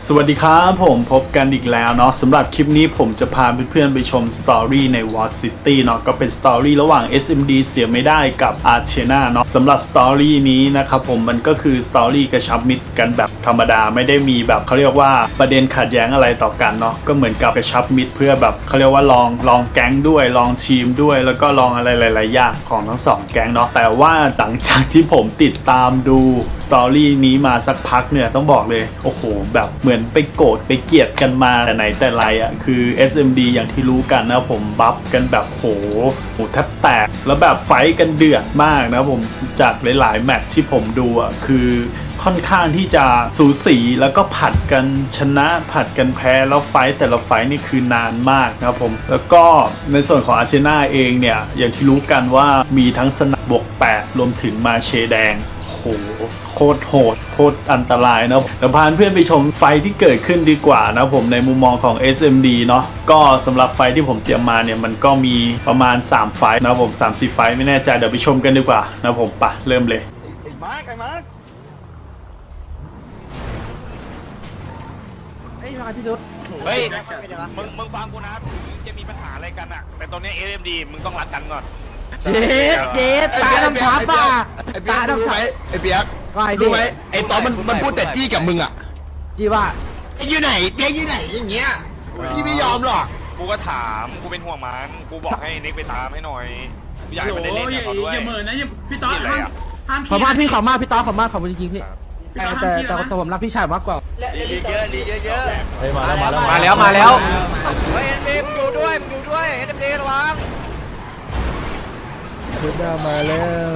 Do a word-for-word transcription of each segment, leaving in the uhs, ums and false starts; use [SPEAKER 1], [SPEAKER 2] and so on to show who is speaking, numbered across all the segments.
[SPEAKER 1] สวัสดีครับผมพบกันอีกแล้วเนาะสำหรับคลิปนี้ผมจะพาเพื่อนๆไปชมสตอรี่ใน War City เนาะก็เป็นสตอรี่ระหว่าง เอส เอ็ม ดี เสียไม่ได้กับ Athena เนาะสำหรับสตอรี่นี้นะครับผมมันก็คือสตอรี่กระชับมิตรกันแบบธรรมดาไม่ได้มีแบบเขาเรียกว่าประเด็นขัดแย้งอะไรต่อกันเนาะก็เหมือนกับกระชับมิตรเพื่อแบบเขาเรียกว่าลองลองแก๊งด้วยลองทีมด้วยแล้วก็ลองอะไรหลายๆอย่างของทั้งสองแก๊งเนาะแต่ว่าหลังจากที่ผมติดตามดูสตอรี่นี้มาสักพักเนี่ยต้องบอกเลยโอ้โหแบบเหมือนไปโกรธไปเกลียดกันมาแต่ไหนแต่ไรอ่ะคือ เอส เอ็ม ดี อย่างที่รู้กันนะผมบัฟกันแบบโหโหแทบแตกแล้วแบบไฟกันเดือดมากนะผมจากหลายๆแมตช์ที่ผมดูอ่ะคือค่อนข้างที่จะสูสีแล้วก็ผัดกันชนะผัดกันแพ้แล้วไฟแต่ละไฟนี่คือนานมากนะครับผมแล้วก็ในส่วนของอาร์เจน่าเองเนี่ยอย่างที่รู้กันว่ามีทั้งสนับบวกแปดรวมถึงมาเชแดงโหโคตรโหดโคตรอันตรายนะเดี๋ยวพาเพื่อนไปชมไฟที่เกิดขึ้นดีกว่านะผมในมุมมองของ เอส เอ็ม ดี เนาะก็สำหรับไฟที่ผมเตรียมมาเนี่ยมันก็มีประมาณสามไฟนะผม สามสี่ ไฟไม่แน่ใจเดี๋ยวไปชมกันดีกว่านะผมไปเริ่มเลย
[SPEAKER 2] ไอ้มาร์คไอ้มาร์คไอ้มาที่รถเฮ้ยมึงมึงฟังกูนะจะมีปัญหาอะไรกันอะแต่ตอนนี้ เอส เอ็ม ดี มึงต้องรักกันก่อน
[SPEAKER 3] เจ๊เจ๊ตาดำทับป่ะ
[SPEAKER 4] ไอ้เปียกรู้ไหมไอ้เปียกรู้ไหมไอ้ตอนมันมันพูดแต่จี้กับมึงอ่ะ
[SPEAKER 3] จี้ว่า
[SPEAKER 4] ไอ้อยู่ไหนเปียกอยู่ไหนอย่างเงี้ยพี่ไม่ยอมหรอก
[SPEAKER 2] กูก็ถามกูเป็นห่วงมันกูบอกให้นิกไปตามให้หน่อยอยากให้มันได้เล่นกับเขาด้วย
[SPEAKER 5] อย่าเหมือนนะพี่ต๊อดห้ามห้าม
[SPEAKER 3] ขอบมากพี่ขอบมากพี่ต้อขอบมากขอบคุณจริงๆพี่แต่แต่แต่แต่ผมรักพี่ชายมากกว่า
[SPEAKER 2] ลีเยอะลีเยอะเยอะ
[SPEAKER 4] เฮ้ยมาแล้วมาแล้ว
[SPEAKER 3] มาแล้วมาแล้ว
[SPEAKER 2] เฮ้ยเอ็นดีมึงอยู่ด้วยมึงอยู่ด้วยเอ็นดีระวัง
[SPEAKER 4] คุณดามาแล้ว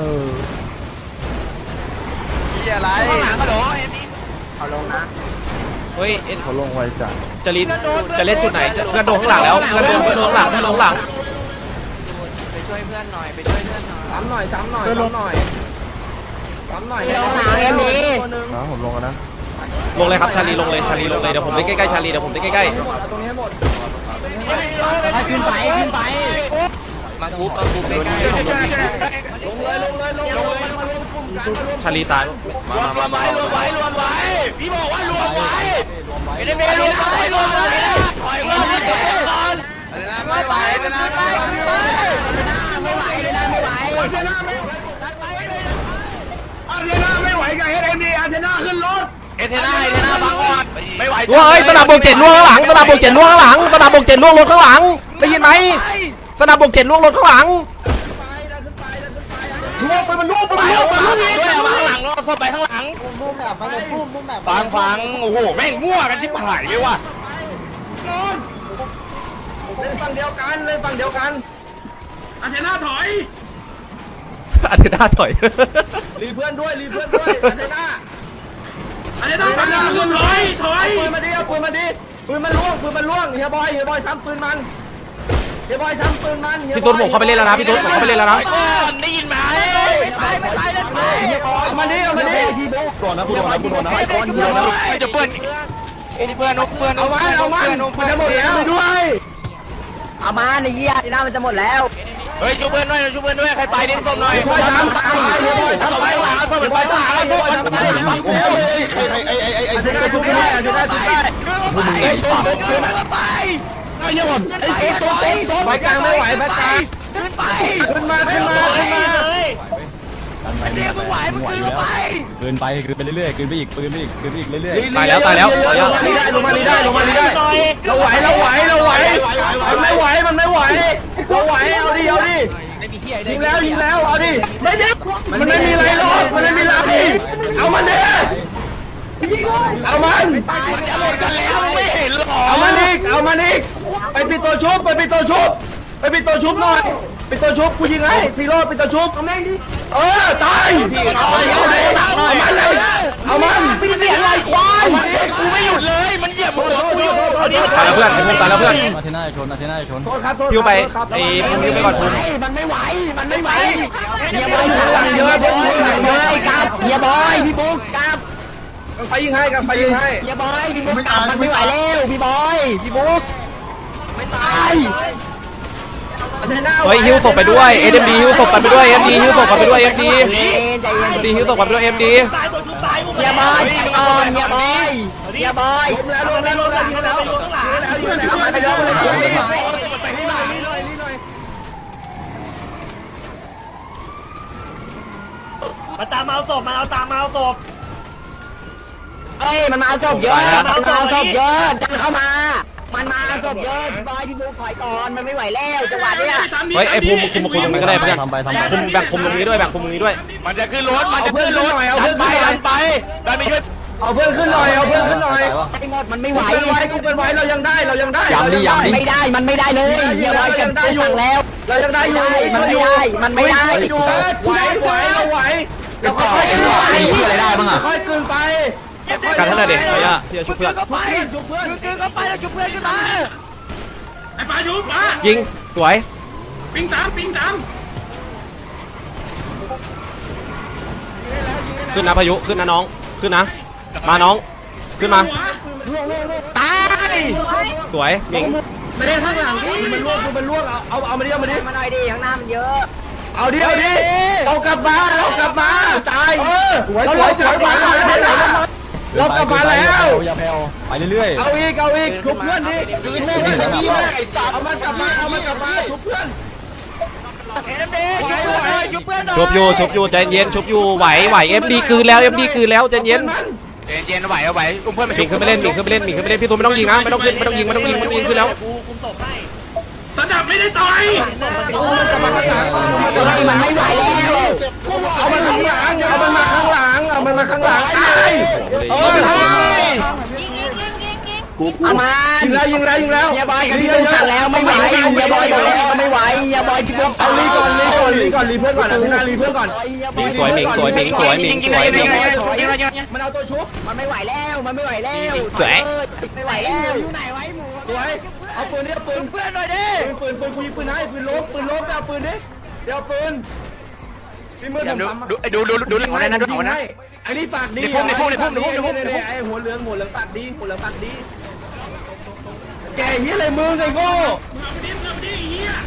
[SPEAKER 2] มีอะไรข้างหลังก็โดนเอ็นดีเขาลงนะ
[SPEAKER 3] เฮ้ยเอ็น
[SPEAKER 4] เขาลงไวจัด
[SPEAKER 3] จะลินจะเล่นจุดไหนเพื่อนโดนข้างหลังแล้วเพื่อนโดนเพื่อนโดนข้างหลังเพื่อนโดนข้างหลัง
[SPEAKER 2] ไปช่วยเพื่อนหน่อยไปช่วยเพื่อนหน่อยซ้ำหน่อยซ้ำหน่อยซ้ำหน่อยซ้ำหน่อย
[SPEAKER 3] ลงหลังเอ็นดี
[SPEAKER 4] นะผมลงนะ
[SPEAKER 3] ลงเลยครับชาลีลงเลยชาลีลงเลยเดี๋ยวผมได้ใกล้ๆชาลีเดี๋ยวผมได้ใกล้
[SPEAKER 2] ๆตรงนี้หมด
[SPEAKER 3] ขึ้นไปขึ้นไป
[SPEAKER 2] มาทุบมาทุบใกล้ๆลงเลยลงเลยลงเลย
[SPEAKER 3] ชาลีตาย
[SPEAKER 2] รวมรวมไว้รวมไว้รวมไว้พี่บอกว่ารวมไว้ไม่ได้ไม่รวมไว้รวมไว้ถอยมาก่อนไม่ไหวไม่ไหวไม่ไหวไม่ไหวไม่ไหวอาเทน่าไม่อาเทน่าไม่ไหวกับเอสเอ็มดีอาเทน่าขึ้นรถเอเทน่าเอเทน่าพักก่อนไม่ไหว
[SPEAKER 3] เฮ้ยสนามบกเจ็ดล่วงข้างหลังสนามบกเจ็ดล่วงข้างหลังสนามบกเจ็ดล่วงรถข้างหลังได้ยินไหมสนามบกเจ็ดล่วงรถข้างหลัง
[SPEAKER 2] ล่วงไปมันล่วงไปมันล่วงไปมันล่วงด้วยมาข้างหลังเราเข้าไปข้างหลังลุ่มแบบลุ่มลุ่มแบบฟังฟังโอ้โหแม่งมั่วกันที่หายเลยว่ะเล่นฝั่งเดียวกันเล่นฝั่งเดียวกัน
[SPEAKER 5] อาเทน่าถอย
[SPEAKER 3] อาเทน่าถอย
[SPEAKER 2] รีเพื่อนด้วยรีเพื่อนด้วยอาเทน่า
[SPEAKER 5] อาเทน่าถอยถอย
[SPEAKER 2] ปืนมาดิเอาปืนมาดิปืนมันล่วงปืนมันล่วงเฮียบอยเฮียบอยซ้ำปืนมันเฮียบอยซ้ำปืนมัน
[SPEAKER 3] พี่ตุ๊ดผมเข้าไปเล่นแล้วนะพี่ตุ๊ดผมเข้าไปเล่นแล้วนะ
[SPEAKER 2] ได้ยินไหมไม่ตายไม่ตายเลยเฮียบอยมาดิเอามาดิ
[SPEAKER 4] พี่โบ๊กก่อนนะคุณโดนนะคุณโดนนะไอ้ก้อนเดียวนะ
[SPEAKER 2] ไม่จะเพื่อนเอ้ยเพื่อนนกเพื่อนเอาไว้เอาไว้มันจะหมดแล้วด้วย
[SPEAKER 3] เอามาในเยี่ยหน้ามันจะหมดแล้ว
[SPEAKER 2] เฮ้ยช่วยเพื่อนด้วยช่วยเพื่อนด้วยใครไปดิ้นส้มหน่อยไปทำไปทำไปหลังเอาไปหลังเอาไปหลัง
[SPEAKER 4] ใครใครไอ้ไอ้ไอ้ไอ้
[SPEAKER 2] ชุบได้ชุบได้ชุบได้ชุบได้ไอ้ส้มขึ้นไป
[SPEAKER 4] ไอ้เนี่ยผม
[SPEAKER 2] ไอ้ส้มส้มส้มไปกลางไม่ไหวไปกลางขึ้นไปขึ้นมาขึ้นมาขึ้นมาเลยไอ้เด็กมึงไหวมึงขึ้นไป
[SPEAKER 4] เกินไปเกินไปเรื่อยๆเกินไปอีกเกินไปอีกเกินไปอีกเรื่อย
[SPEAKER 3] ๆตายแล้วตายแล้ว
[SPEAKER 2] ลงมาลีได้ลงมาลีได้ลงมาลีได้เราไหวเราไหวเราไหวมันไม่ไหวมันไม่ไหวเราไหวเอาดิเอาดิยิงแล้วยิงแล้วเอาดิไม่ดิมันไม่มีอะไรหรอกมันไม่มีอะไรเอามันดิเอามันจะหมดกันแล้วไม่เห็นหรอเอามันอีกเอามันอีกไปปิดตัวชุบไปปิดตัวชุบไปปิดตัวชุบหน่อยปิดตัวชุบกูยิงให้ซีโร่ปิดตัวชุบเอาแม่งดิเออตายเอามันเลยเอามันไม่เสียอะไรควายกูไม่หยุดเลยมันเหยียบหัวกูอยู่
[SPEAKER 3] ตายแล้วเพื่อนผมตายแล้วเพื่อน
[SPEAKER 4] อาเทน่าชนอาเทน่าชน
[SPEAKER 2] โทษครับโทษ
[SPEAKER 3] พิวไปไอ้พิวไปก่อนคุณ
[SPEAKER 2] มันไม่ไหวมันไม่ไหว
[SPEAKER 3] เฮียบอยอยู่หลังเยอะบอยเยอะกับเฮียบอยพี่บุ๊กกับ
[SPEAKER 2] ไปยิงให้กันไปยิงให้
[SPEAKER 3] เฮียบอยพี่บุ๊กกับมันไม่ไหวแล้วพี่บอยพี่บุ๊ก
[SPEAKER 2] ไม่ตาย
[SPEAKER 3] เฮ้ยฮิวศพไปด้วย เอ็ม ดี ฮิวศพไปด้วย เอ็ม ดี ฮิวศพไปด้วย เอ็ม ดี เอ็ม ดี ฮิวศพไปด้วย เอ็ม ดี
[SPEAKER 6] เฮียบอยอ่อนเฮียบอยเฮียบอย
[SPEAKER 2] ล้มแล้วล้มแล้วล้มแล้วยิงแล้วยิงแล้วยิงแล้วไปแล้วไปแล้วไปนี่หน่อยนี่หน่อยนี่หน่อย
[SPEAKER 7] มาตามมาเอาศพมาเอาตามมาเอาศพ
[SPEAKER 6] เอ้ยมันมาเอาศพเยอะมันมาเอาศพเยอะดันเข้ามามันมาเอาศพเยอะบอยพี่ลูกถอยก่อนมันไม่ไหวแล้วจังหวะเนี้ย
[SPEAKER 3] เฮ้ยไอ้ภูมิคุมคุมตรงนี้ก็ได้เพื่อนคุมแบ่งคุมตรงนี้ด้วยแบ่งคุมตรงนี้ด้วย
[SPEAKER 4] มันจะขึ้นรถมันจะขึ้นรถดันไปดันไปดันไปช่วย
[SPEAKER 2] เอาเพื่อนขึ้นหน่อยเอาเพื่อนขึ้นหน่อย
[SPEAKER 6] ไอ้หมดมันไม่ไหว
[SPEAKER 2] เป็นไว้กูเป็นไว้เรายังได้เรายังได้
[SPEAKER 6] ไม่ได้มันไม่ได้เลยเฮียบอยจะได้สั่งแล้ว
[SPEAKER 2] เรายังได้อยู่
[SPEAKER 6] มันไม่ได้มันไม่ได้
[SPEAKER 2] อยู่ไหวไหวเราไหวเราค่อยๆไหวอะไรได้บ้างอ่ะค่อยๆกลืนไป
[SPEAKER 3] กันเท่าไหร่เด็กเฮ้ยอะพี่จะชุบเพื่อน
[SPEAKER 2] ชุบเพื่อนชุบเพื่อน
[SPEAKER 6] กึ่งเข้าไปแล้วจุบเพื่อนขึ้นมา
[SPEAKER 5] ไอ้ปลาชุบปลา
[SPEAKER 3] ยิงสวย
[SPEAKER 5] ปิงตามปิงตาม
[SPEAKER 3] ขึ้นนะพายุขึ้นนะน้องขึ้นนะมาน้องขึ้นมา
[SPEAKER 6] ตาย
[SPEAKER 3] สวยยิง
[SPEAKER 2] ไม่ได้ข้างหลังมันล่วงมันล่วงเอาเอาเอามาดิเอามาดิ
[SPEAKER 6] มาหน่อยดิข้างหน้ามันเยอะ
[SPEAKER 2] เอาดิเอาดิเรากลับมาเรากลับมาตายเราเรากลับมาเรากลับมาแล้วอย่าแผ่วไปเรื่อยๆเอาอีกเอาอีกชุบเพื่อนดิเอามันกลับมาเอามันกลับมาชุบเพื่อน
[SPEAKER 6] จุบเพื่อนหน่อย
[SPEAKER 3] ชุบอยู่ชุบอยู่ใจเย็นชุบอยู่ไหวไหวเอ็มดีคืนแล้วเอ็มดีคืนแล้วใจเย็น
[SPEAKER 4] เย็นเย็นไหวเอาไหวอุ้มเพื่อนไป
[SPEAKER 3] หมิงขึ้นไปเล่นหมิงขึ้นไปเล่นหมิงขึ้นไปเล่นพี่ตูนไม่ต้องยิงนะไม่ต้องขึ้นไม่ต้องยิงไม่ต้องยิงมันยิงขึ้นแล้ว
[SPEAKER 7] กูคุมศพให้
[SPEAKER 5] สนับไม่ได้ต่อย
[SPEAKER 6] เฮ้ยมันไม่ไหวแล้ว
[SPEAKER 2] เอามันข้างหลังเอามันมาข้างหลังเอามันมาข้างหลังตายเออ
[SPEAKER 6] เอามา
[SPEAKER 2] ยิงแล้วยิงแล้วยิงแล้ว
[SPEAKER 6] เฮียบอยกับพี่ตูนสั่งแล้วไม่ไหวเฮียบอยบอกแล้วไม่ไหวเฮียบอยพี่ตูน
[SPEAKER 2] เอาลีก่อนลีก่อนลีก่อนลีเพื่อนก่อนอ่ะที่หน้าลีเพื่อนก่อน
[SPEAKER 3] สวยหมิงสวยหมิงสวยหมิงสวยหมิง
[SPEAKER 2] มันเอาตัวชุบ
[SPEAKER 6] มันไม่ไหวแล้วมันไม่ไหวแล้วไม่ไหวแล้วอยู่ไหนไว้หมู
[SPEAKER 2] สวยเอาปืนดิเอาปืน
[SPEAKER 6] เพื่อนหน่อยดิ
[SPEAKER 2] ปืนปืนปืนกูยิงปืนให้ปืนล้มปืนล้มไปเอาปืนดิเดี๋ยวปืนพี่มือผมทำ
[SPEAKER 4] ดูดูดูดูหลังอะไรนะดูหลังนะ
[SPEAKER 2] ไอ้นี่ปากดี
[SPEAKER 4] ในพุ่มในพุ่มในพุ่มในพุ่มในพุ่ม
[SPEAKER 2] ไอ้หัวเหลืองหัวเหลืองปากดีหัวเหลืองปากดีแกเฮียอะไรมึงไอ้โง่
[SPEAKER 5] มึงเอาไปดิมึงเอาไปดิไอ้เหี้ย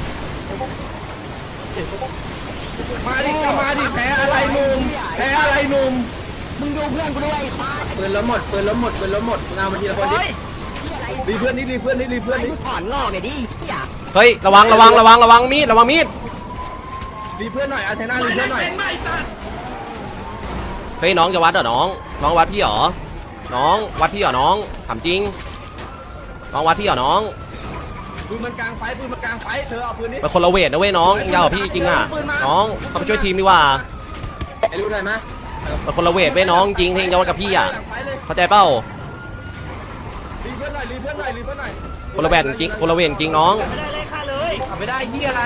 [SPEAKER 2] มาดิก็มาดิแพ้อะไรหนุ่มแพ้อะไรหนุ่ม
[SPEAKER 6] มึงดูเพื่อนกูด้วย
[SPEAKER 2] ปืนแล้วหมดปืนแล้วหมดปืนแล้วหมดงานมาทีละคนดิรีเพื่อนนี่รีเพื่อนนี่รีเพื่อน
[SPEAKER 6] ไอ้
[SPEAKER 2] นี่
[SPEAKER 6] กูถอนงอกเนี่ยดิเฮีย
[SPEAKER 3] เฮ้ยระวังระวังระวังระวังมีดระวังมีด
[SPEAKER 2] รีเพื่อนหน่อยอาเทน่ารี
[SPEAKER 5] ไม่
[SPEAKER 2] เพื่อนหน่อย
[SPEAKER 5] เป็นไม่ตัด
[SPEAKER 3] เฮ้ยน้องจะวัดเหรอน้องน้องวัดพี่เหรอน้องวัดพี่เหรอน้องถามจริงน้องวัดพี่เหรอน้อง
[SPEAKER 2] ปืนมันกลางไฟปืนมันกลางไฟเธอเอาปืนนี้
[SPEAKER 3] เป็นคนละเวทนะเว้ยน้องยาวกว่าพี่จริงอ่ะน้องเขาไปช่วยทีมดีกว่า
[SPEAKER 2] ไอ้รู้หน่อยไหม
[SPEAKER 3] เป็นคนละเวทเว้ยน้องจริงเพลงจะวัดกับพี่อ่ะเข้าใจเปล่า
[SPEAKER 2] รีเพื่อนหน่อยรีเพื่อนหน่อยรีเพื่อนหน่อย
[SPEAKER 3] คนละเวทจริงคนละเวทจริงน้อง
[SPEAKER 7] ไม่ได้เลยค่าเลย
[SPEAKER 2] ไม่ได้ยี่อะไร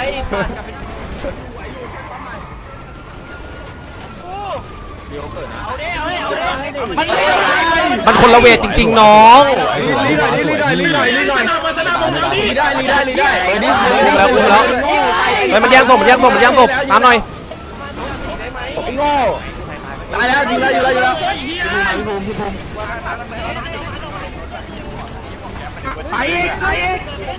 [SPEAKER 3] มันคนละเวทจริง ๆ น้อง
[SPEAKER 2] รีหน่อยรีหน่อยรีหน่อยรีหน่อย
[SPEAKER 5] สนับมาสนับผมเอาดิ
[SPEAKER 2] รีได้รีได้รีได้เออนี่
[SPEAKER 3] อุ้มแล้วอุ้มแล้วเฮ้ยมันแย่งศพมันแย่งศพมันแย่งศพตามหน่อย
[SPEAKER 2] ไอ้โง่ตายแล้วยิงแล้วยิงแล้วยิงแล้ว
[SPEAKER 5] ไอ้เหี้ย
[SPEAKER 2] ไปอีกไปอีก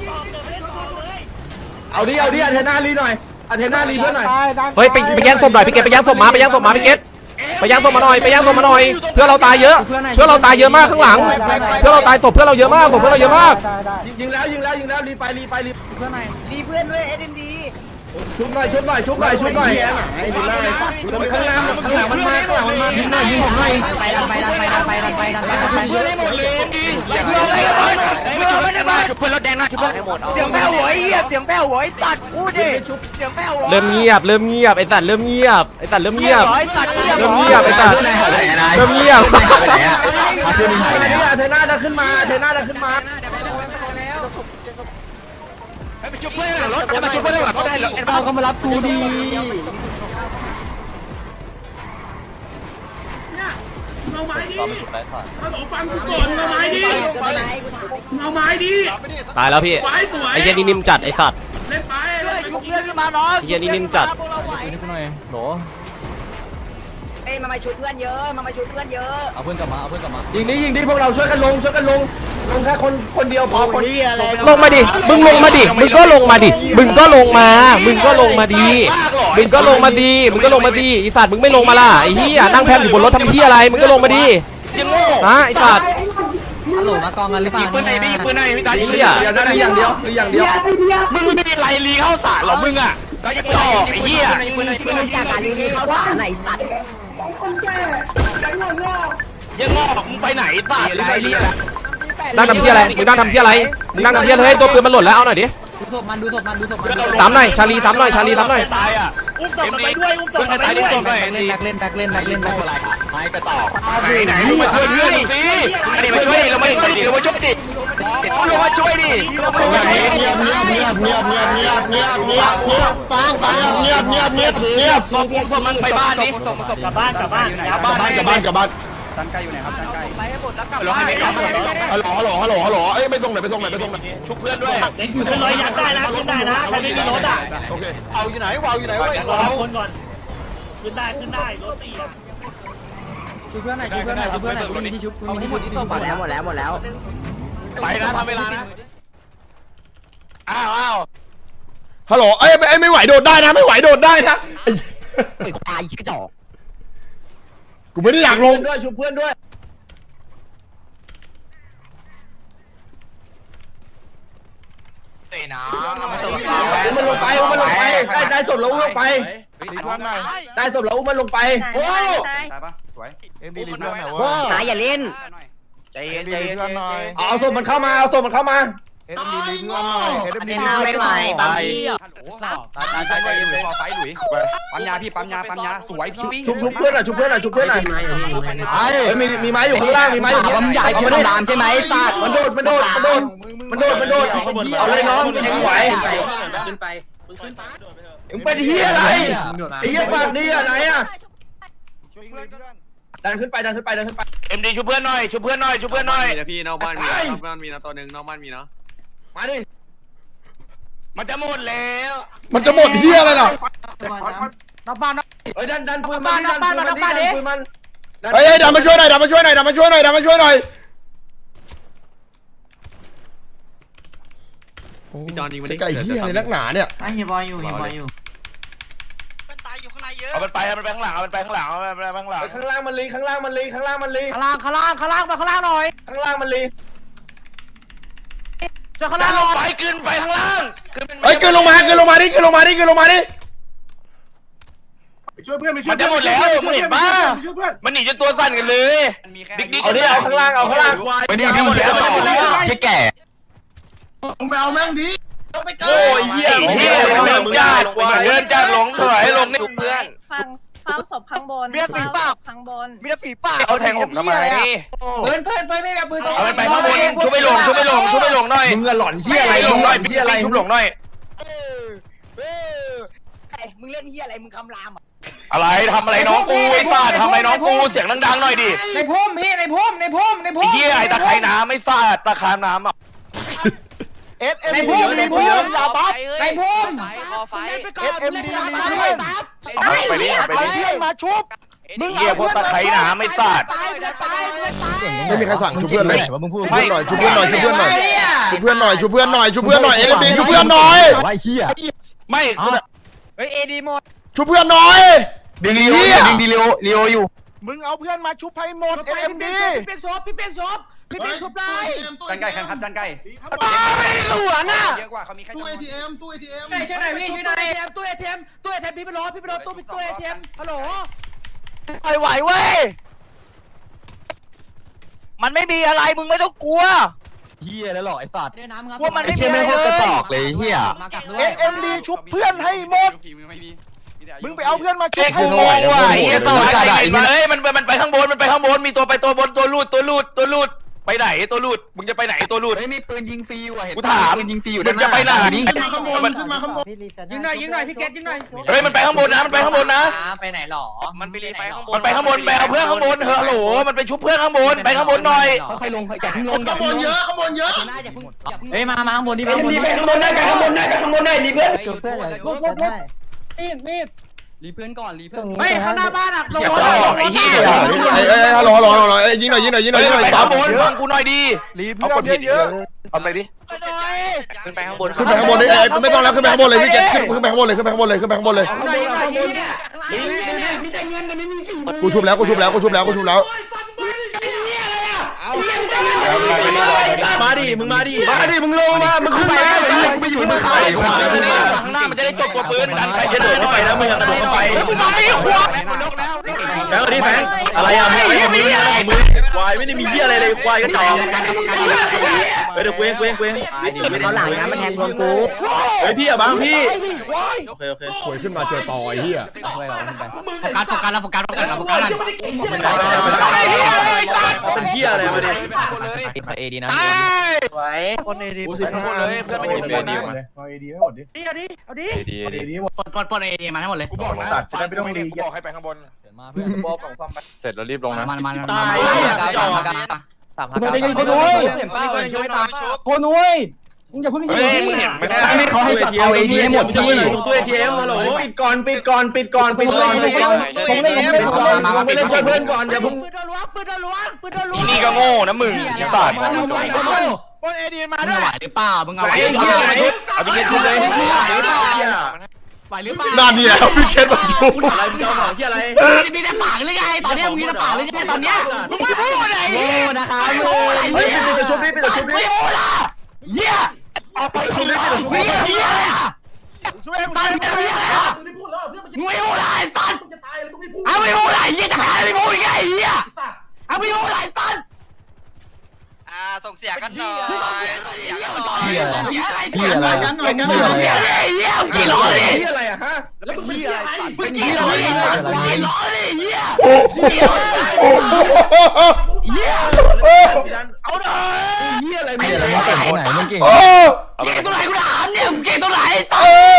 [SPEAKER 2] เอาดิเอาดิอาเทน่ารีหน่อยอาเทน่ารีเพื่อนหน่อย
[SPEAKER 3] เฮ้ยไปไปแย่งศพหน่อยพี่เกตไปแย่งศพมาไปแย่งศพมาพี่เกตไปแย่งศพมาหน่อยไปแย่งศพมาหน่อยเพื่อเราตายเยอะ เพื่อเราตายเยอะมากข้างหลัง เพื่อเราตายศพเพื่อเราเยอะมากศพเพื่อเราเยอะมาก
[SPEAKER 2] ยิงแล้วยิงแล้วยิงแล้วรีไปรีไปรี
[SPEAKER 6] รีเพื่อนด้วยเอ็มดี
[SPEAKER 2] ชุบหน่อยชุบหน่อยชุบหน่อยชุบหน่อยไอ้ดีมากเลยข้างหน้าข้างหลังมันมาข้างหลังมันมายิงหน่อยยิงผมหน่อย
[SPEAKER 6] ไปดันไปดันไปดันไปดันไปดันไปดันไป
[SPEAKER 4] เพื่อนให้หมดเลยดิเพื่อนไม่ได้มาเพื่อนรถแดงนะเพื่อนให้หมด
[SPEAKER 6] เสียงแผ่วหวยเฮียเสียงแผ่วหวยตัดพูดดิเสียงแผ่วหวย
[SPEAKER 3] เริ่มเงียบเริ่มเงียบไอ้สัตว์เริ่มเงียบไอ้สัตว์เริ่มเงียบ
[SPEAKER 6] ตัด
[SPEAKER 3] เริ่มเงียบไอ้สัตว์เริ่มเงียบ
[SPEAKER 2] อาเทน่าอาเทน่าจะขึ้นมาอาเทน่าจะขึ้นมา
[SPEAKER 4] ไปชุบเพื่อนหลังรถไปชุบเพื่อนหลังรถได้เหรอ
[SPEAKER 2] เราก็มารับกูดี
[SPEAKER 5] เนี่ยมึงเอาไม้ดิฮัลโหลฟังกูก่อนมึงเอาไม้ดิมึงเอาไม้ดิ
[SPEAKER 3] ตายแล้วพี่
[SPEAKER 5] ไว้สวย
[SPEAKER 3] ไอ้เหี้ยนี่นิ่มจัดไอ้สัตว์
[SPEAKER 5] เล่นไป
[SPEAKER 6] ชุบเพื่อนขึ้นมาน้อง
[SPEAKER 3] ไอ้เหี้ยนี่นิ่มจัด
[SPEAKER 6] เอ้ยมามาชุบเพื่อนเยอะมามาชุบเพื่อนเยอะ
[SPEAKER 2] ยิงดิยิงดิพวกเราช่วยกันลงช่วยกันลงลงแค่คนคนเดียวพอคน
[SPEAKER 7] นี่อะไร
[SPEAKER 3] ลงมาดิมึงลงมาดิมึงก็ลงมาดิมึงก็ลงมามึงก็ลงมาดีมึงก็ลงมาดีมึงก็ลงมาดีไอสัตว์มึงไม่ลงมาล่ะไอ้เหี้ยนั่งแพมอยู่บนรถทำเหี้ยอะไรมึงก็ลงมาดิฮะไอสัตว์
[SPEAKER 6] ฮัลโหลมากองกันหรือเปล่า
[SPEAKER 4] ปืนไหนพี่ปืนไหนพี่ตา
[SPEAKER 3] ไอ้
[SPEAKER 2] เดี
[SPEAKER 3] เหี้ย
[SPEAKER 2] ยวนั่นอย่างเดียวหรืออย่างเดียว
[SPEAKER 4] มึงไม่ได้ไรลีเข้าสารหรอมึงอ่ะก็จะต่อไอ้เหี้ย
[SPEAKER 6] มึงที่มึงจากการรีวิวข้าวสารไหนสัตว์
[SPEAKER 4] ยังงอกมึงไปไหนสารไรลี
[SPEAKER 3] นั่งทำเหี้ยอะไรมึงนั่งทำเหี้ยอะไรมึงนั่งทำเหี้ยเลยตัวปืนมันหล่นแล้วเอาหน่อยดิ
[SPEAKER 6] ดูศพมันดูศพมันดูศพมัน
[SPEAKER 3] สามหน่อยชาลีสามหน่อยชาลีสามหน่อย
[SPEAKER 4] ตายอ่ะ
[SPEAKER 7] อุ้มศพมันไปด้วยอุ้มศพมันไปด้วย
[SPEAKER 6] แบ็คเล่นแบ็คเล่นแบ็คเล่นแบ็คเล่นแบ็คเล่น
[SPEAKER 4] ไม่ไปต่อไหนไหนมึงมาช่วยเพื่อนสิอันนี้มาช่วยเราไม่ช่วยดิเรามาช่วยดิเรามาช่วยดิเงียบเงียบเงียบเงียบเงียบเงียบเงียบเงียบเงียบฟังฟังเงียบเงียบเงียบเงียบศพศพมันไปบ้านนี่
[SPEAKER 7] กลับบ้านกลับบ้าน
[SPEAKER 4] กลับบ้านกลับบ้านกลับบ้าน ฮัลโหลให้ไม่กลับฮัลโหลฮัลโหลฮัลโหลฮัลโหลเอ้ยไปส่งหน่อยไปส่งหน่อยไปส่งหน่อยชุบเพื่อนด้วย
[SPEAKER 7] ขึ้นรถยัดได้นะขึ้นได้นะใครไม่มีรถอ่ะ
[SPEAKER 4] โอเคเอาอยู่ไหนวาวอยู่ไหนเว้ย
[SPEAKER 7] เอาคนก่อนขึ้นได้ขึ้นได้รถสี่อ่ะ
[SPEAKER 6] ดูเพื่อนหน่อยดูเพื่อนหน่อยดูเพื่อนหน่อยมีที่ชุบมีที่ชุบที่หมดแล้วหมดแล้วหมดแล้ว
[SPEAKER 4] ไปนะทำเวลานะอ้าวอ้าวฮัลโหลเอ้ยไม่ไม่ไหวโดดได้นะไม่ไหวโดดได้นะ
[SPEAKER 6] ไอ้ควายชิคกระจอก
[SPEAKER 4] กูไม่ได้อยากลง
[SPEAKER 2] ด้วยชุบเพื่อนด้วย มันลงไปมันลงไปได้ได้ศพแล้วลงไปได้ศพแล้วมันลงไปโอ้
[SPEAKER 6] นายอย่าเล่น
[SPEAKER 4] ใจเย็นใจเย็นหน่อย
[SPEAKER 2] เอาศพมันเข้ามาเอาศพมันเข้ามา
[SPEAKER 4] เอ็ดดีลีเพื่อนหน่อยเอ็ดดีลี
[SPEAKER 6] ไม่ไหวบางที
[SPEAKER 4] ตายตายตายตายหลุยไฟหลุยปั๊มยาพี่ปั๊มยาปั๊มยาสวยพี่
[SPEAKER 2] ชุบชุบเพื่อนหน่อยชุบเพื่อนหน่อยชุบเพื่อนหน่อยไอ้มีมีไม้อยู่ข้างล่างมีไม้อยู่ข้างล่าง
[SPEAKER 6] ใหญ่
[SPEAKER 2] เอา
[SPEAKER 6] กู
[SPEAKER 2] มา
[SPEAKER 6] ต้
[SPEAKER 2] ดิ
[SPEAKER 6] องดามใช่ไหมสัตว์
[SPEAKER 2] มันโดดมันโดดมันโดดมันโดดมันโดดเอาเลยน้องยังไหว
[SPEAKER 6] ขึ้นไป
[SPEAKER 2] มึงเป็นเฮียอะไรไอ้เฮียปากดีอ่ะไหนอ่ะดันขึ้นไปดันขึ้นไปดันขึ้นไป
[SPEAKER 4] เอ็มดีช่วยเพื่อนหน่อยช่วยเพื่อนหน่อยช่วยเพื่อนหน่อย
[SPEAKER 8] นะพี่นอกบ้านมีนะนอกบ้านมีนะตัวหนึ่งนอกบ้านมีนะ
[SPEAKER 2] มาดิ
[SPEAKER 4] มันจะหมดแล้ว
[SPEAKER 3] มันจะหมดเหี้ยอะไรล่ะ
[SPEAKER 2] เฮ้ยดันดันปืนมันดันปืนมันดันปืนมัน
[SPEAKER 4] เฮ้ยดันมาช่วยหน่อยดันมาช่วยหน่อยดันมาช่วยหน่อยดันมาช่วยหน่อย
[SPEAKER 8] พี่จอนยิงมัน
[SPEAKER 4] จะไก่เหี้ยอะไรนักหนาเนี่ย
[SPEAKER 6] ไอ้เฮียบอยอยู่เฮียบอยอยู่
[SPEAKER 4] เอามันไปเอามันไปข้างหลังเอามันไปข้างหลังเอามันไปข้างหลัง
[SPEAKER 2] ข้างล่างมันลีข้างล่างมันลีข้างล่างมันลี
[SPEAKER 6] ข้างล่างข้างล่างข้างล่างมาข้างล่างหน่อย
[SPEAKER 2] ข้างล่างมันลี
[SPEAKER 6] จะข้าง
[SPEAKER 4] ดั
[SPEAKER 6] ล่าง
[SPEAKER 4] น
[SPEAKER 6] ห
[SPEAKER 4] ล
[SPEAKER 6] น่
[SPEAKER 4] ง
[SPEAKER 6] อย
[SPEAKER 4] ไปขึ้นไปข้างล่างเฮ้ยขึ้นลงมาขึ้นลงมาดิขึ้นลงมาดิขึ้นลงมาดิ
[SPEAKER 8] ช่วยเพื่อนไปช่ว
[SPEAKER 4] มั
[SPEAKER 8] ย
[SPEAKER 4] นจะหมดแล้วมึงเห็นป่ะมันหนีจนตัวสั่นกันเลยดิ๊กดิ๊ก
[SPEAKER 2] เอาดิเอาข้างล่างเอาข้างล่าง
[SPEAKER 4] ไปดิดิหมดแล้วจะหมดแล้วแค่แก่
[SPEAKER 8] มึงไปเอาแม่งดิ
[SPEAKER 4] โอ้ยเหี้ยเหี้ยเดินจัดเดินจัดหลงถอยลงนี่เพื่อน
[SPEAKER 9] ฟังเฝ้าศพข้างบนเฝ้าศพข้างบน
[SPEAKER 4] มีแต่ผีป่าเขาแทงผมทำไม
[SPEAKER 6] เพื่อนเพื่อนเพื่อนไม่แบบปืน
[SPEAKER 4] เอามันไปข้างบนชุบไปหลงชุบไปหลงชุบไปหลงหน่อย
[SPEAKER 2] มึงอะหล่อนเฮียอะไร
[SPEAKER 4] หลงหน่อย
[SPEAKER 2] เฮียอะไร
[SPEAKER 4] ชุบหลงหน่อย
[SPEAKER 6] มึงเล่นเฮียอะไรมึงคำรามอ่ะ
[SPEAKER 4] อะไรทำอะไรน้องกูไอ้สัตว์ทำอะไรน้องกูเสียงดังๆหน่อยดิ
[SPEAKER 6] ในพุ่มพี่ในพุ่มในพุ่มใน
[SPEAKER 4] ไอ้
[SPEAKER 6] พุ่ม
[SPEAKER 4] เหี้ยไอ้ตะไคร่น้ำไม่สาดตะคามน้ำอ่ะ
[SPEAKER 6] ในพุ่มในพุ่มอย่าบัฟในพุ่ม
[SPEAKER 4] เอสเอ็มดีไปดิไปดิมาชุบมึงเหี้ยพวกตะไคร่น้ำไม่สาด
[SPEAKER 10] ไม่มีใครสั่งชุบเพื่อนเลย
[SPEAKER 4] ไม่
[SPEAKER 10] ชุบเพื่อนหน่อยชุบเพื่อนหน่อยชุบเพื่อนหน่อยชุบเพื่อนหน่อยชุบเพื่อนหน่อยชุบเพื่อนหน่อยเอ็มดีชุบเพื่อนหน่อย
[SPEAKER 4] ไม่
[SPEAKER 6] เฮ้ยเอดีหมด
[SPEAKER 10] ชุบเพื่อนหน่อย
[SPEAKER 4] ดึงลีโอดึงลีโอลีโออยู่
[SPEAKER 8] มึงเอาเพื่อนมาชุบให้หมดเอ็มดี
[SPEAKER 6] พี่เปียกศพพี่เปียกศพพี่เปียกศพเลย
[SPEAKER 8] จันไก่แข่งขันจันไก่
[SPEAKER 6] ไม่หลวนอ่ะ
[SPEAKER 8] เยอะกว่าเขามีแค่
[SPEAKER 11] ตู้ ATM ตู้ ATM
[SPEAKER 6] ช่วยหน่อยพี่ช่วยหน่อยตู้เอทีเอ็มตู้เอทีเอ็มพี่ไปรอพี่ไปรอตู้ตู้เอทีเอ็มฮัลโหล
[SPEAKER 4] ไปไหวเว้ยมันไม่มีอะไรมึงไม่ต้องกลัว
[SPEAKER 8] เฮียแล้วหรอไอ้สัตว์
[SPEAKER 4] กลัวมันไม่มีอะไรเลย
[SPEAKER 8] เอ็มดีชุบเพื่อนให้หมดมึงไปเอาเพื่อนมาชุบ
[SPEAKER 4] กูงงว่ะไอ้เหี้ยสวัสดีเฮ้ยมันมันไปข้างบนมันไปข้างบนมีตัวไปตัวบนตัวลูดตัวลูดตัวลูดไปไหนตัวลูดมึงจะไปไหนตัวลูด
[SPEAKER 8] ไม่มีปืนยิงฟรีว่ะเห็น
[SPEAKER 4] กูถาม
[SPEAKER 8] ปืนยิงฟรีอยู่
[SPEAKER 4] มึงจะไปไหน
[SPEAKER 11] ขึ้นมาข้างบนขึ้นมาข้างบน
[SPEAKER 6] ยิงหน่อยยิงหน่อยพี่เกตยิงหน่อย
[SPEAKER 4] เฮ้ยมันไปข้างบนนะมันไปข้างบนนะ
[SPEAKER 6] ไปไหนหรอมันไปรีไปข้างบน
[SPEAKER 4] มันไปข้างบนไปเอาเพื่อนข้างบนเฮ้ยฮัลโหลมันไปชุบเพื่อนข้างบนไปข้างบนหน่อย
[SPEAKER 6] ค่อยลงอย่าเพิ่งลง
[SPEAKER 11] ข้างบนเยอะข้างบนเยอะ
[SPEAKER 6] เฮ้ยมามาข้างบนดิ
[SPEAKER 2] ไปข้างบนไปข้างบนได้ไปข้างบนได้ไปข้างบนได้รีเพื่อน
[SPEAKER 6] เพื่อนมีดมีดรีเพื่อนก่อนรีเพื่อน
[SPEAKER 2] ไม่ข้างหน้าบ้านอ่ะลงรถ
[SPEAKER 4] ไอ้เหี้ย
[SPEAKER 10] ไอ้ไอ้ฮัลโหลฮัลโหลฮัลโหลไอ้ยิงหน่อยยิงหน่อยยิงหน่อยยิงหน่อย
[SPEAKER 4] ไป
[SPEAKER 10] ปั๊
[SPEAKER 4] ข้า
[SPEAKER 10] บ
[SPEAKER 4] งบนฟังกูหน่อยดี
[SPEAKER 8] รีเพื่อนเยอะ
[SPEAKER 4] เอาไปดิขึ้นไปข้างบน
[SPEAKER 10] ขึ้นไปข้างบนเลยไอ้ไม่ต้องแล้วขึ้นไปข้างบนเลยพี่เกตขึ้นไปข้างบนเลยขึ้นไปข้างบนเลยขึ้นไปข้างบนเลย
[SPEAKER 6] มีแต่เงินแต่ไม่มีฝีมือ
[SPEAKER 10] กูชุบแล้วกูชุบแล้วกูชุบแล้วกูชุบแล้ว
[SPEAKER 2] มาดิมึงมาดิมาดิมึงลงมามึงขึ้นมาไปอยู่มึงขายขวา
[SPEAKER 4] ข้างหน้ามันจะได้จบตัวปืนดันไป
[SPEAKER 2] จะเดินเข้าไปแล้วมึงกระโดดเข้าไป
[SPEAKER 4] ไม่ขวา
[SPEAKER 2] แบงค์ดิแบงค์อะไรอ่ะมึงอะไรของมึงอะไรของมึงควายไม่ได้มีเหี้ยอะไรเลยควายก็จอกเฮ้ยเดี๋ยวเว้งเว้งเว้ง
[SPEAKER 6] เขาหลังนะมันแทงรวมกู
[SPEAKER 2] เฮ้ยพี่อ่ะบ้างพี่โอเคโอเค
[SPEAKER 10] หวยขึ้นมาเจอต่อไอ้เหี้ย
[SPEAKER 6] โฟกัสโฟกัสแล้วโฟกัสโฟกัสโฟกัส
[SPEAKER 2] เป็นเหี้ยอะไรมาดิ
[SPEAKER 6] เอดีนะ
[SPEAKER 8] ไว้คนเอดี
[SPEAKER 2] กูสิบห้าเลยเพื่อนไม่อยู่ในดีมา
[SPEAKER 8] เอาเอดีให้หมดดิ
[SPEAKER 7] เอาดิเอาดิ
[SPEAKER 4] ดีดี
[SPEAKER 8] เอดีหมด
[SPEAKER 6] ปลดปลดปลดเอดีมาทั้งหมดเลย
[SPEAKER 8] กูบอกนะสัตว์จะได้ไม่ต้องรี
[SPEAKER 4] บอกให้ไปข้างบน
[SPEAKER 6] มาเพื่อน
[SPEAKER 8] บอกของซ่อมไป
[SPEAKER 4] เสร็จแล้วรีบลงนะ
[SPEAKER 6] มันมัน
[SPEAKER 2] ตาย
[SPEAKER 6] จอดสามห้าเก้า
[SPEAKER 8] คนนุ้ยคนนุ้ยมึงอย่าเพิ่ง
[SPEAKER 4] เฮ้ยมึงเห็นไม่ได้
[SPEAKER 2] ไม่เขาให้เอาเอทีให้หมดที่ตู้เอทีเอ็มฮัลโหลปิดก่อนปิดก่อนปิดก่อนปิดก่อนปิดก่อนผมเล่นผมเล่นก่อนมาไปเล่นช่วยเพื่อนก่อนอย่าเพิ่ง
[SPEAKER 7] ปืนโดนล้วงปืนโดนล้วงปืนโดนล้วง
[SPEAKER 4] นี่ก็โง่นะมึงไอ้สัตว์
[SPEAKER 8] คนเอดีมา
[SPEAKER 6] มึง
[SPEAKER 8] ด้วย
[SPEAKER 6] ไหวหรือเปล่ามึงเอา
[SPEAKER 2] ไหว
[SPEAKER 6] ไหว
[SPEAKER 2] เหี้ยไหน
[SPEAKER 4] เอาไปเย็นชุดเลย
[SPEAKER 6] ไหวหรือเปล่า
[SPEAKER 10] นั่นนี่แหละพี่เกตมาชุบ
[SPEAKER 2] อะไรมึงเอาของเหี้ยอะไร
[SPEAKER 6] มีแต่ปากหรือไงตอนนี้มึงมีแต่ปากหรือไงตอนเนี้ยมึงไม่พูดอะไรโง่นะคะโง่อะไร
[SPEAKER 2] เฮ้ยปิดตัวชุบนี่ปิดตัวชุบนี่
[SPEAKER 6] ไม่พูดละเหี้ยเอาไปชุบนี่เหี้ยเหี้ยอะไรอ่ะ
[SPEAKER 8] ช่วย
[SPEAKER 6] สัตว์เหี้ยอะไรอ่ะมึงไม่พูดอะไรสัตว์เอาไม่พูดอะไรเหี้ยจะหาไม่พูดไงเหี้ยเอาไม่พูดอะไรสัตว์
[SPEAKER 4] อ่าส่งเสียกันหน่อย
[SPEAKER 6] เหี้ยอะไรเหี้ยอะไรกันหน่อยกันหน่อยเหี้ยเหี้ยกี่ล้อดิ
[SPEAKER 2] เหี้ยอะไรอะฮะแล้วเป็นเหี้ยอะไร
[SPEAKER 6] มึงกี่ล้อดิมึงกี่ล้อดิเหี้ย
[SPEAKER 10] โอ้โห
[SPEAKER 6] เหี้ย
[SPEAKER 2] เอาหน่อยเหี้ยอะไรมึงอะไรมึงเก่งไหนมึงเก่ง
[SPEAKER 10] โอ้
[SPEAKER 6] เก่งตัวไหนกูถามเนี่ยมึงเก่งตัวไหนสั
[SPEAKER 10] เอ
[SPEAKER 6] ตว์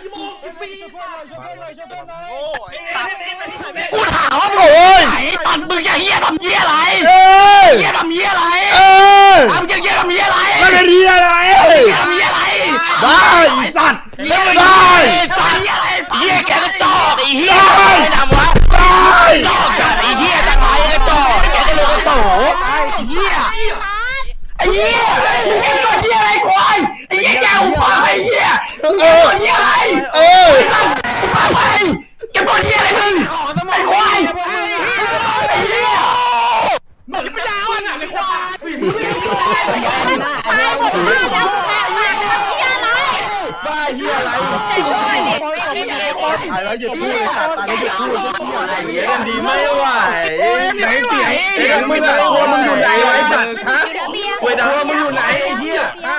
[SPEAKER 10] อ
[SPEAKER 6] กูถามว่ามึง
[SPEAKER 10] โอ้ย
[SPEAKER 6] ไหนตัดมึงจะเหี้ยทำเหี้ยอะไร
[SPEAKER 10] เอ้ย
[SPEAKER 6] เหี้ยทำเหี้ยอะไร
[SPEAKER 10] เอ้ย
[SPEAKER 6] ทำเหี้ยทำเหี้ยอะไร
[SPEAKER 10] ไม่เป็นเหี้ยอะไร
[SPEAKER 6] ทำเหี้ยอะไร
[SPEAKER 10] ได้ไอ้สัตว์
[SPEAKER 6] ได้
[SPEAKER 10] ได้
[SPEAKER 6] สัตว์เหี้ยอะไรเหี้ยแกก็จอกไอ้เหี้ย
[SPEAKER 10] ได้
[SPEAKER 6] ทำวะ
[SPEAKER 10] ได้
[SPEAKER 6] จอกจัดไอ้เหี้ยจังไรก็จอกแกจะโดนโสไอ้เหี้ยไอ้เหี้ยมึงจะจอดเหี้ยอะไรควายไอ้เหี้ยแกอุปาไอ้เหี้ยมึงจะจอดเหี้ยอะไร
[SPEAKER 10] เออ
[SPEAKER 6] ไอ้สัตว์อุปาไปแกจอดเหี้ยอะไรมึงไอ้ควายไอ้เหี้ย
[SPEAKER 8] ไม่ได้อ่ะในควาย
[SPEAKER 2] บ้าเหี้ยอะไรตายแล้วหยุดพูดเลยสัตว์ตายแล้วหยุดพูดเหี้ยดีไม่ไหวไหนเสียงเสียงมึงอะตัวมึงอยู่ไหนไอ้สัตว์ฮะเวดามึงอยู่ไหนไอ้เหี้ยฮะ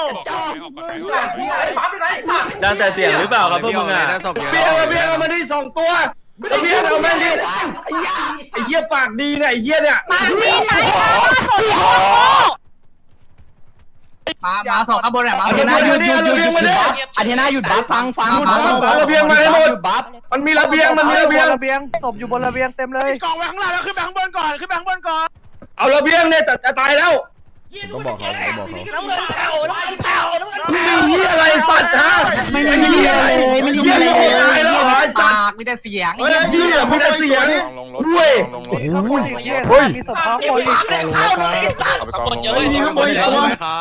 [SPEAKER 2] ดังแต่เสียงหรือเปล่าครับพวกมึงอ่ะเบี้ยเบี้ยเอามาดิสองตัวเบี้ยเอามาดิไอ้เหี้ยปากดีเนี่ยไอ้เหี้ยเนี่ย
[SPEAKER 6] มามาสองข้างบนหน่อยมาอาเทน่าหยุดหยุดหยุดหยุดอาเทน่าหยุดบัฟฟังฟัง
[SPEAKER 2] ระเบียงมาให้หมดมันมีระเบียงมันมีระเบียง
[SPEAKER 8] ระเบียงศพอยู่บนระเบียงเต็มเลยกองไว้ข้างล่างแล้วขึ้นไปข้างบนก่อนขึ้นไปข้างบนก่อน
[SPEAKER 2] เอาระเบียงเนี่ยจะตายแล้ว
[SPEAKER 10] ต้องบอกเขาต้องบอกเขา
[SPEAKER 8] น้ำเงินแถวน้ำเงินแถวน้ำเงิน
[SPEAKER 2] มึงมีเหี้ยอะไรสัตว์ฮะ
[SPEAKER 6] ไม่มีอะไรไม่มีอะไร
[SPEAKER 2] ตายแล้วไอ้สัตว์
[SPEAKER 6] ปากมีแต่เสียง
[SPEAKER 2] เฮ้ยเหี้ยมีแต่เสียงด้วย
[SPEAKER 10] โอ้โห
[SPEAKER 8] เฮ้ยมีศพท้องคนอีก
[SPEAKER 4] ข้างบนเยอะเลย
[SPEAKER 2] ข้างบนอีกตัว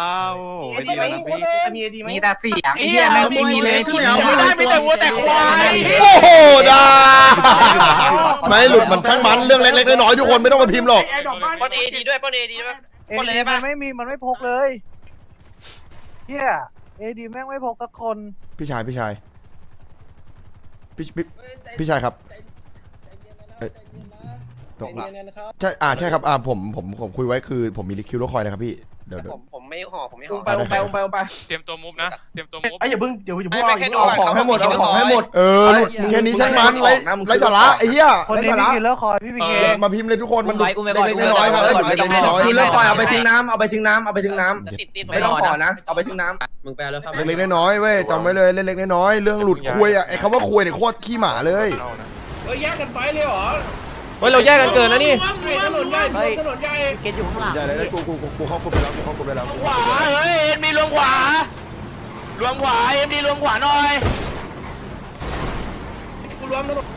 [SPEAKER 6] มีแต่เสียงไอ้เหี้ยไม่มีเลยที่
[SPEAKER 8] ไม่ได้ไม่แต่วัวแต่ควาย
[SPEAKER 10] โอ้โหด่าไม่หลุดมันช่างมันเรื่องเล็กๆน้อยๆทุกคนไม่ต้องมาพิมพ์หรอก
[SPEAKER 4] ปนเอดีด้วยปนเอดีด้วย
[SPEAKER 8] เอดีมันไม่มีมันไม่พกเลยเฮียเอดีแม่งไม่พกสักคน
[SPEAKER 10] พี่ชายพี่ชายพี่พี่พี่ชายครับเอ้ยตกใช่อ่าใช่ครับอ่าผมผมผมคุยไว้คือผมมีลิคิวรถคอยนะครับพี่เดี๋ยวเดี๋ยว
[SPEAKER 4] ผมผมไม่ห่อผมไม่ห่อ
[SPEAKER 2] ไปลงไปลงไปลงไป
[SPEAKER 12] เตรียมตัวมูฟนะเตรียมตัวมูฟ
[SPEAKER 2] ไอ้อย่าเพิ่งเดี๋ยวอย่าเพิ่ง
[SPEAKER 4] เอา
[SPEAKER 2] เอาของให้หมดเอาของให้หมด
[SPEAKER 10] เออหลุดแค่นี้ช่างมันไรไรสาระไอ้เหี้ย
[SPEAKER 8] คน
[SPEAKER 10] ไร
[SPEAKER 8] นี้
[SPEAKER 10] สา
[SPEAKER 8] พี่
[SPEAKER 10] ระ
[SPEAKER 8] กินแล้วคอยพี่พี่เก
[SPEAKER 10] มาพิมพ์เลยทุกคนมันเล็กๆน้อยๆครับหลุดเล็กๆน้อย
[SPEAKER 2] คือเลิกคอยเอาไปทิ้งน้ำเอาไปทิ้งน้ำเอาไปทิ้งน้ำ
[SPEAKER 4] ติดติด
[SPEAKER 2] ไม่ต้องขอนะเอาไปทิ้งน้
[SPEAKER 6] มึงแปลแล้วครับ
[SPEAKER 10] ๆเล็กๆน้อยๆเว้ยจำไว้เลยเล็กๆน้อยๆเรื่องหลุดคุยอ่ะไอ้คำว่าคุยเนี่ยโคตรขี้หมาเลย
[SPEAKER 2] เฮ้ยแยกกันไฟเลยเหรอ
[SPEAKER 3] เฮ้ยเราแยกกันเกินนะนี่
[SPEAKER 2] ถนนใหญ่ถนนใหญ่
[SPEAKER 8] เกตอยู่ข้างหลัง
[SPEAKER 10] ใหญ่เลยกูกูกูกูเข้ากลุ่มไปแล้วกูเข้ากลุ่มไปแล้ว
[SPEAKER 4] ขวาเฮ้ยเอ็มดีรวมขวา รวมขวาเอ็มดีรวมขวาหน่อย
[SPEAKER 2] กูรวมถนน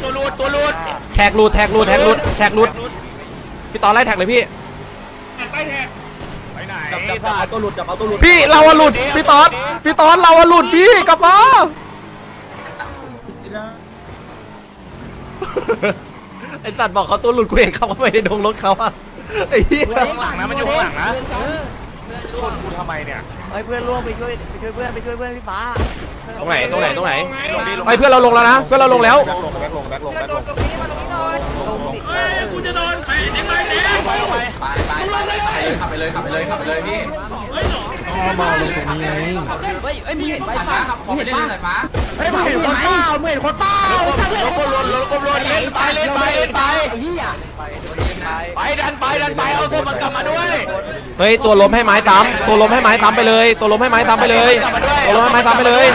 [SPEAKER 4] ตัวรูดตัวรูด
[SPEAKER 3] แท็กรูดแท็กรูดแท็กรูดแท็กรูดพี่ตอนไล่แท็กเลยพี่
[SPEAKER 4] ไปไหน
[SPEAKER 2] จับจับเอาตัวหลุดจับเอาตัวหลุด
[SPEAKER 3] พี่เราอะหลุดพี่ตอนพี่ตอนเราอะหลุดพี่กลับมาไอสัตว์บอกเขาตัวหลุดกูเห็นเขาเข้าไปในดงรถเขาอะไอ้เหี้ย
[SPEAKER 4] ข้างหลังนะมันอยู่ข้างหลังนะชนกูทำไมเนี่ย
[SPEAKER 7] เฮ้ยเพื่อนร่วมไปช่วยไปช่วยเพื่อนไปช่วยเพื่อนพี่ฟ้า
[SPEAKER 3] ตรงไหนตรงไหนตรงไหนไอ้เพื่อนเราลงแล้วนะเพื่อนเราลงแล้ว
[SPEAKER 11] แบ็คลงแบ็คลงแบ็คลงแบ็คลง
[SPEAKER 5] เฮ้ยกูจะโดนไปเด็กไปเด็ก
[SPEAKER 4] ไปไปไปขับไปเลยขับไปเลยขับไปเลยพี่
[SPEAKER 5] เฮ้ยหรอ
[SPEAKER 3] มาลงตรงนี้ไง
[SPEAKER 4] เฮ้ยเฮ้ยมึงเห็นไฟฟ้าครับมึงเห็นไฟฟ้า
[SPEAKER 7] เฮ้ยมึงเห็นคนเปล่ามึงเห็นคนเปล่าร
[SPEAKER 4] ถกลนรถกลนเล่นไปเล่นไปเล่นไปไปดันไปดันไปเอาศพมันกลับมาด้วย
[SPEAKER 3] เฮ้ยตัวล้มให้ไม้ซ้ำตัวล้มให้ไม้ซ้ำไปเลย ตัวล้มให้ไม้ซ้ำไปเลยตัวล้มให้ไม้ซ้ำไปเลย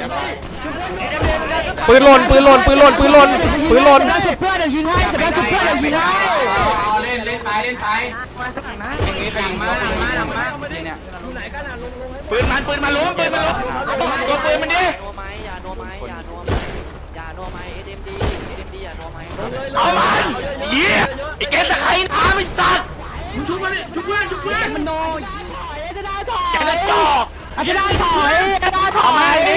[SPEAKER 3] ปืนหล่นปืนหล่นปืนหล่นปืนหล่นปืนหล่น
[SPEAKER 7] ฉุดเพื่อนเดี๋ยวยิงให้จะได้ฉุดเพื่อนเดี๋ยวยิงให้
[SPEAKER 4] เล่นเล่นไปเล่นไปอย่างนี้ไปมาหลังมาหลังมาเนี่ยปืนมันปืนมันล้มปืนมันล้มตัวปืนมันดิ
[SPEAKER 7] โนไม้อย่าโนไม้อย่าโนไม้อย่าโนไม้เอ็มดีเอ็มดีอย่าโนไม้
[SPEAKER 4] เอามันเยี่ยไอ้แกตะไคร้น้ำไอ้สัตว์
[SPEAKER 5] มึงชุบมาดิชุบเพื่อนชุบเพื่อนมันโดน
[SPEAKER 4] แกจะจอก
[SPEAKER 7] อาจจะได้ถอยอาจจะได้ถ
[SPEAKER 4] เอา
[SPEAKER 7] อ
[SPEAKER 4] มาย ดิ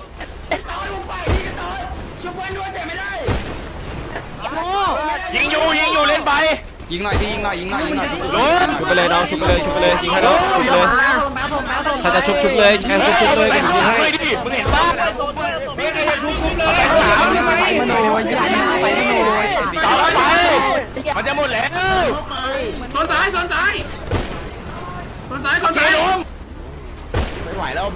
[SPEAKER 4] ยิงอยู่ยิงอยู่เล่นไปยิงหน่อยพี่ยิงหน่อยยิงหน่อยยิงหน่อยลุ้น
[SPEAKER 3] ชุบไปเลยน้องชุบไปเลยชุบไปเลยยิงให้น้องชุบไปเลยถ้าจะชุบชุบเลยแค่ชุบชุบเลยกันยิงให้
[SPEAKER 4] ไม่ดิมึงเห็นป่ะต่อไปมันจะหมดแล้ว
[SPEAKER 5] สอนซ้ายสอนซ้ายสอนซ้ายสอน
[SPEAKER 4] เช
[SPEAKER 5] ซ้าย
[SPEAKER 4] ล้ม
[SPEAKER 11] ไม่ไหวแล้ว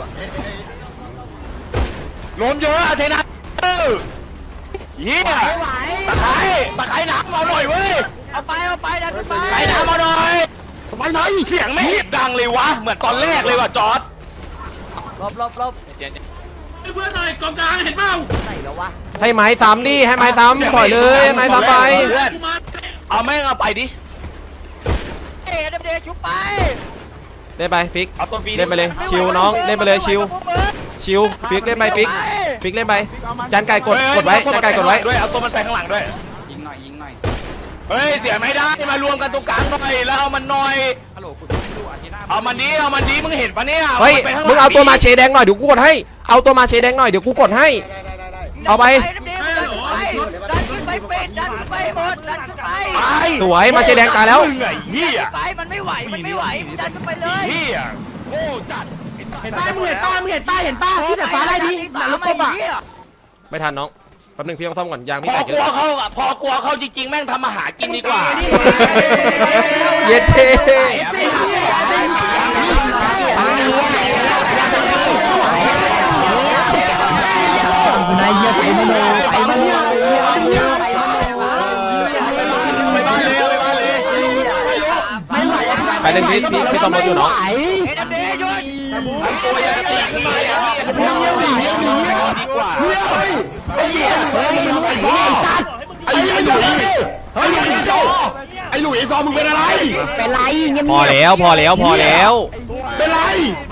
[SPEAKER 4] ล้มเยอะอะเทนัทเฮียตะไคร้ตะไคร้น้ำเอาหน่อยเว้ย
[SPEAKER 7] เอาไปเอาไปดันขึ้นไป
[SPEAKER 4] ไข่น้ำเอาหน่อยทำไมน้อยเสียงไม่ดังเลยวะเหมือนตอนแรกเลยว่ะจอร์ด
[SPEAKER 7] ลบลบลบ
[SPEAKER 5] เพื่อนหน่อยกองกลางเห็นเปล่า
[SPEAKER 7] ไหนแล้ววะ
[SPEAKER 3] ให้ไม้ซ้ำดิให้ไม้ซ้ำถอยเลยให้ไม้ซ้ำไป
[SPEAKER 5] กูมา
[SPEAKER 4] เอาแม่งเอาไปดิ
[SPEAKER 7] เอ็มดีชุบไป
[SPEAKER 3] เล่นไปฟิก
[SPEAKER 4] เอาตัวฟรี
[SPEAKER 3] เล่นไปเลยชิวน้องเล่นไปเลยชิวชิวฟิกเล่นไปฟิกฟิกเล่นไปจานไก่กดกดไว้จานไก่กดไว้
[SPEAKER 4] ด้วยเอาตัวมันไปข้างหลังด้วยยิงหน่อยยิงหน่อยเฮ้ยเสียไม่ได้มารวมกันตรงกลางหน่อยแล้วเอามันหน่อยเอามันดีเอามันดีมึงเห็นปะเนี่ย
[SPEAKER 3] เฮ้ยมึงเอาตัวมาเชแดงหน่อยเดี๋ยวกูกดให้เอาตัวมาเชแดงหน่อยเดี๋ยวกูกดให้เอาไป
[SPEAKER 7] ดันขึ้นไปเป็ดดันขึ้นไปหมดดันขึ้นไป
[SPEAKER 4] ไป
[SPEAKER 3] สวยมาเชแดงตายแล้ว
[SPEAKER 4] เหนื่อยเหี้ย
[SPEAKER 7] ไปมันไม่ไหวมันไม่ไหวดันขึ้นไปเลย
[SPEAKER 4] เหี้ยโง่จัด
[SPEAKER 7] ป้ามึงเห็นป้ามึงเห็นป้าเห็นป้าที่แต่ฟ้าได้ดีหลังรถกระบะ
[SPEAKER 3] ไม่ทันน้องแป๊บนึงพี่ต้องซ่อมก่อนยาง
[SPEAKER 4] พ
[SPEAKER 3] พี่
[SPEAKER 4] อ
[SPEAKER 3] แตก
[SPEAKER 4] ก
[SPEAKER 3] เย
[SPEAKER 4] ลัว
[SPEAKER 3] อะ
[SPEAKER 4] เขาอะพอกลัวเขาจริงๆแม่งทำอาหารกินดีกว่า
[SPEAKER 3] เย็ดเท่
[SPEAKER 7] นายเยี่ยไปมาเลยไปมาเลย
[SPEAKER 4] ไปบ้านเลยไปบ้านเลย
[SPEAKER 3] ไปเล่นพี่พี่พี่ซ่อมรถอยู่น้อง
[SPEAKER 7] เอ็มดีหยุด
[SPEAKER 4] ทำตัวอย่างนี้ขึ้นมาอย่างนี้ดีกว่า
[SPEAKER 6] ไอ้ไอ้หลุยเฮ้ยไอ้โจไอ้หลุยไอ้ซอมึงเป็นอะไร
[SPEAKER 7] เป็นไรเงียบ
[SPEAKER 3] พอแล้วพอแล้วพอแล้ว
[SPEAKER 6] เป็นไร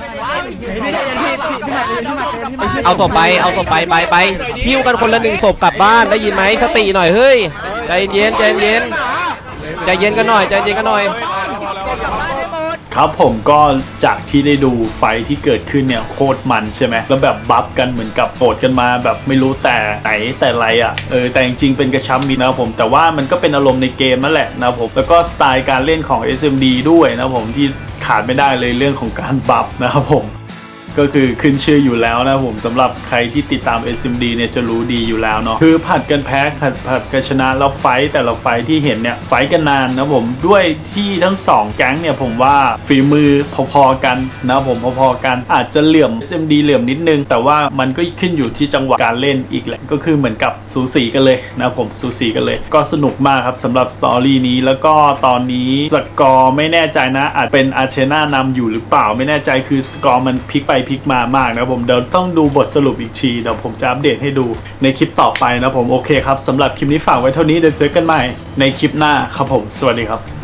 [SPEAKER 3] เอาศพไปเอาศพไปไปไปพิ้วกันคนละหนึ่งศพกลับบ้านได้ยินไหมสติหน่อยเฮ้ยใจเย็นใจเย็นใจเย็นกันหน่อยใจเย็นกันหน่อย
[SPEAKER 1] ครับผมก็จากที่ได้ดูไฟที่เกิดขึ้นเนี่ยโคตรมันใช่ไหมแล้วแบบบัฟกันเหมือนกับโหดกันมาแบบไม่รู้แต่ไหนแต่ไรอ่ะเออแต่จริงๆเป็นกระชับมิตรนะครับผมแต่ว่ามันก็เป็นอารมณ์ในเกมนั่นแหละนะครับผมแล้วก็สไตล์การเล่นของ เอส เอ็ม ดี ด้วยนะครับผมที่ขาดไม่ได้เลยเรื่องของการบัฟนะครับผมก็คือขึ้นชื่ออยู่แล้วนะผมสำหรับใครที่ติดตาม เอส เอ็ม ดี เนี่ยจะรู้ดีอยู่แล้วเนาะคือผัดกันแพ้ผัดผัดกันชนะแล้วไฟต์แต่ละไฟต์ที่เห็นเนี่ยไฟต์กันนานนะผมด้วยที่ทั้งสองแก๊งเนี่ยผมว่าฝีมือพอๆกันนะผมพอๆกันอาจจะเหลื่อม เอส เอ็ม ดี เหลื่อมนิดนึงแต่ว่ามันก็ขึ้นอยู่ที่จังหวะการเล่นอีกแหละก็คือเหมือนกับสูสีกันเลยนะผมสูสีกันเลยก็สนุกมากครับสำหรับสตอรี่นี้แล้วก็ตอนนี้สกอร์ไม่แน่ใจนะอาจเป็นอาร์เชน่านำอยู่หรือเปล่าไม่แน่ใจคือสกอร์มันพลิกไปพลิกมามากนะผมเดี๋ยวต้องดูบทสรุปอีกทีเดี๋ยวผมจะอัปเดตให้ดูในคลิปต่อไปนะผมโอเคครับสำหรับคลิปนี้ฝากไว้เท่านี้เดี๋ยวเจอกันใหม่ในคลิปหน้าครับผมสวัสดีครับ